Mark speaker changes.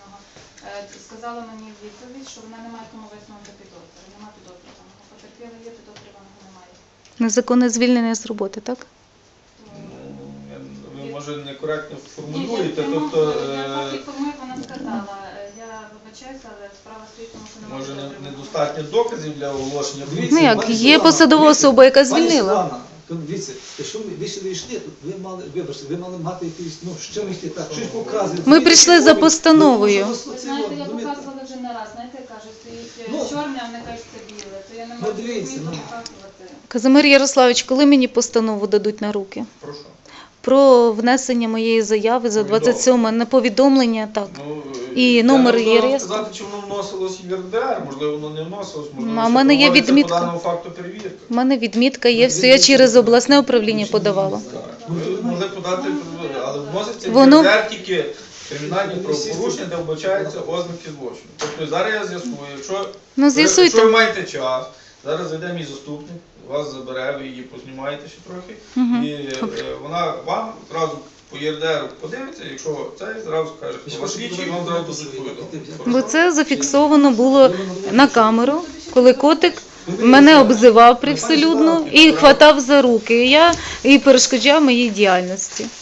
Speaker 1: підозрюваного. Сказала мені в відповідь, що вона не має кому висунути підозру. Немає підозрюваного. Потерпіли є, підозрюваного немає.
Speaker 2: Незаконне звільнення з роботи, так?
Speaker 3: Ви, може, некоректно формулюєте,
Speaker 1: Я
Speaker 3: тобто...
Speaker 1: так інформую, вона сказала. Я вибачаюся, але справа стоїть, тому що немає
Speaker 3: Може,
Speaker 1: підозрюваного.
Speaker 3: недостатньо доказів для оголошення?
Speaker 2: Ну як, є посадова особа, яка звільнила.
Speaker 4: Дивіться, якщо ви сюди йшли, то ви мали мати якісь, з чим йти так, щось показувати.
Speaker 2: Ми прийшли за постановою.
Speaker 1: Ви знаєте, я показувала вже не раз. Знаєте, я кажу, стоїть чорне, а вони кажуть, це біле. То я не можу
Speaker 4: дивіться,
Speaker 1: показувати.
Speaker 2: Казимир Ярославович, коли мені постанову дадуть на руки?
Speaker 3: Прошу.
Speaker 2: Про внесення моєї заяви за 27 на повідомлення, так. І номер
Speaker 3: я не
Speaker 2: є
Speaker 3: можу
Speaker 2: реєстру.
Speaker 3: сказати, чи воно вносилось в ЄРДР, можливо, воно не вносилось, можливо,
Speaker 2: А в
Speaker 3: ще
Speaker 2: мене є
Speaker 3: проводиться
Speaker 2: відмітка.
Speaker 3: по даному факту перевірка.
Speaker 2: У мене відмітка є, все, я через обласне управління подавала.
Speaker 3: Ви могли подати, але вноситься в
Speaker 2: Воно-
Speaker 3: ЄРДР тільки кримінальні правопорушення, де вбачаються ознаки злочину. Тобто зараз я з'ясую, якщо
Speaker 2: Ну, з'ясуйте.
Speaker 3: якщо ви маєте час, зараз зайде мій заступник, вас забере, ви її познімаєте ще трохи, і вона вам одразу по ЄРДР подивиться, якщо це, зразу скаже, що ваш слідчий, і вам зразу дадуть повідомлення.
Speaker 2: Бо це зафіксовано було на камеру, коли котик мене обзивав привселюдно і хватав за руки. І перешкоджав моїй діяльності.